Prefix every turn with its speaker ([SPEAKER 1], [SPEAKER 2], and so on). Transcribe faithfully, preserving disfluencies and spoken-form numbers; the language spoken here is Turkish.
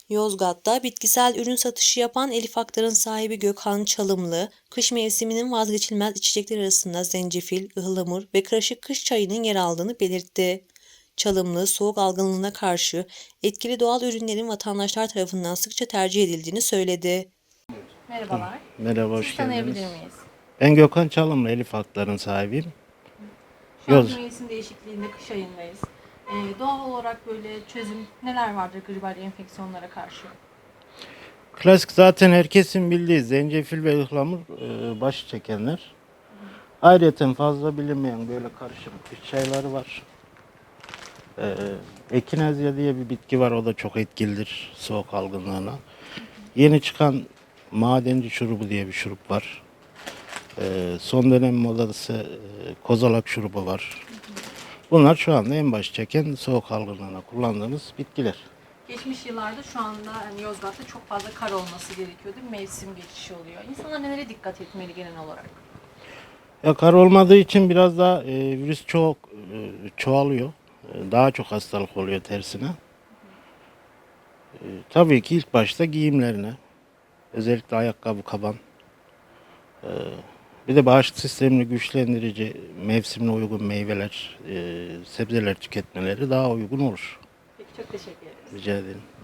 [SPEAKER 1] Yozgat'ta bitkisel ürün satışı yapan Elif Aktar'ın sahibi Gökhan Çalımlı, kış mevsiminin vazgeçilmez içecekler arasında zencefil, ıhlamur ve karışık kış çayının yer aldığını belirtti. Çalımlı, soğuk algınlığına karşı etkili doğal ürünlerin vatandaşlar tarafından sıkça tercih edildiğini söyledi.
[SPEAKER 2] Merhabalar.
[SPEAKER 3] Merhaba,
[SPEAKER 2] Sizi
[SPEAKER 3] hoş
[SPEAKER 2] tanıyabilir
[SPEAKER 3] geldiniz.
[SPEAKER 2] miyiz?
[SPEAKER 3] Ben Gökhan Çalımlı, Elif Aktar'ın sahibiyim.
[SPEAKER 2] Şu an
[SPEAKER 3] Yoz.
[SPEAKER 2] mevsim değişikliğinde kış ayındayız. Ee, doğal olarak böyle çözüm neler vardır gribal enfeksiyonlara karşı?
[SPEAKER 3] Klasik zaten herkesin bildiği zencefil ve ıhlamur e, başı çekenler. Ayrıca fazla bilinmeyen böyle karışım kış çayları var. E, Ekinezya diye bir bitki var, o da çok etkilidir soğuk algınlığına. Yeni çıkan madenci şurubu diye bir şurup var. E, son dönem modası e, kozalak şurubu var. Bunlar şu anda en baş çeken soğuk algınlığına kullandığımız bitkiler.
[SPEAKER 2] Geçmiş yıllarda şu anda hani Yozgat'ta çok fazla kar olması gerekiyor değil mi? Mevsim geçişi oluyor. İnsanlar nelere dikkat etmeli genel olarak?
[SPEAKER 3] Ya kar olmadığı için biraz daha e, virüs çok e, çoğalıyor. E, daha çok hastalık oluyor tersine. E, tabii ki ilk başta giyimlerine, özellikle ayakkabı, kaban. E, Bir de bağışıklık sistemini güçlendirici, mevsimine uygun meyveler, e, sebzeler tüketmeleri daha uygun olur.
[SPEAKER 2] Peki çok teşekkür ederiz.
[SPEAKER 3] Rica ederim.